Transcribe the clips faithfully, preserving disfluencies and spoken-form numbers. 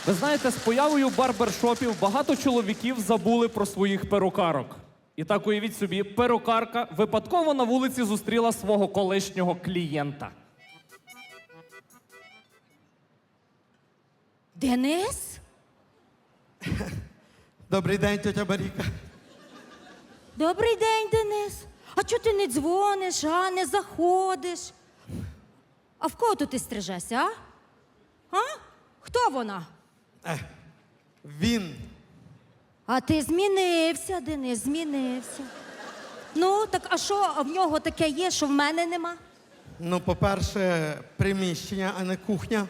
Ви знаєте, з появою барбершопів багато чоловіків забули про своїх перукарок. І так уявіть собі, перукарка випадково на вулиці зустріла свого колишнього клієнта. Денис? Добрий день, тьотя Маріка. Добрий день, Денис. А чого ти не дзвониш, а не заходиш? А в кого тут ти стрижешся, а? А? Хто вона? Е, він. А ти змінився, Денис, змінився. Ну, так а що в нього таке є, що в мене нема? Ну, по-перше, приміщення, а не кухня.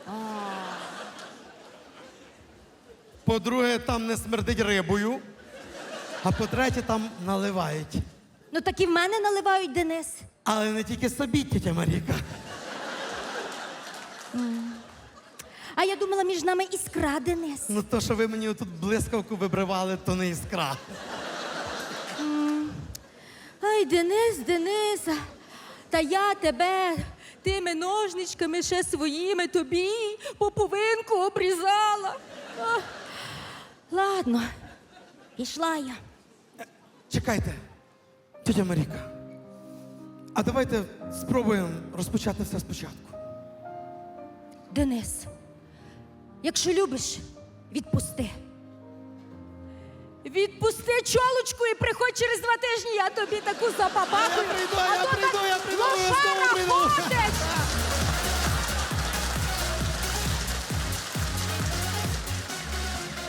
По-друге, там не смердить рибою. А по-третє, там наливають. Ну так і в мене наливають, Денис. Але не тільки собі, тітя Маріка. А я думала, між нами іскра, Денис. Ну, то, що ви мені тут блискавку вибривали, то не іскра. Ай, Денис, Денис, та я тебе тими ножничками ще своїми тобі поповинку обрізала. А, ладно, пішла я. Чекайте, тітя Маріка. А давайте спробуємо розпочати все спочатку. Денис, якщо любиш, відпусти. Відпусти чолочку і приходь через два тижні, я тобі таку запапахую. Я прийду, я А то прийду, так я прийду, лошара обов'язково прийду. ходить.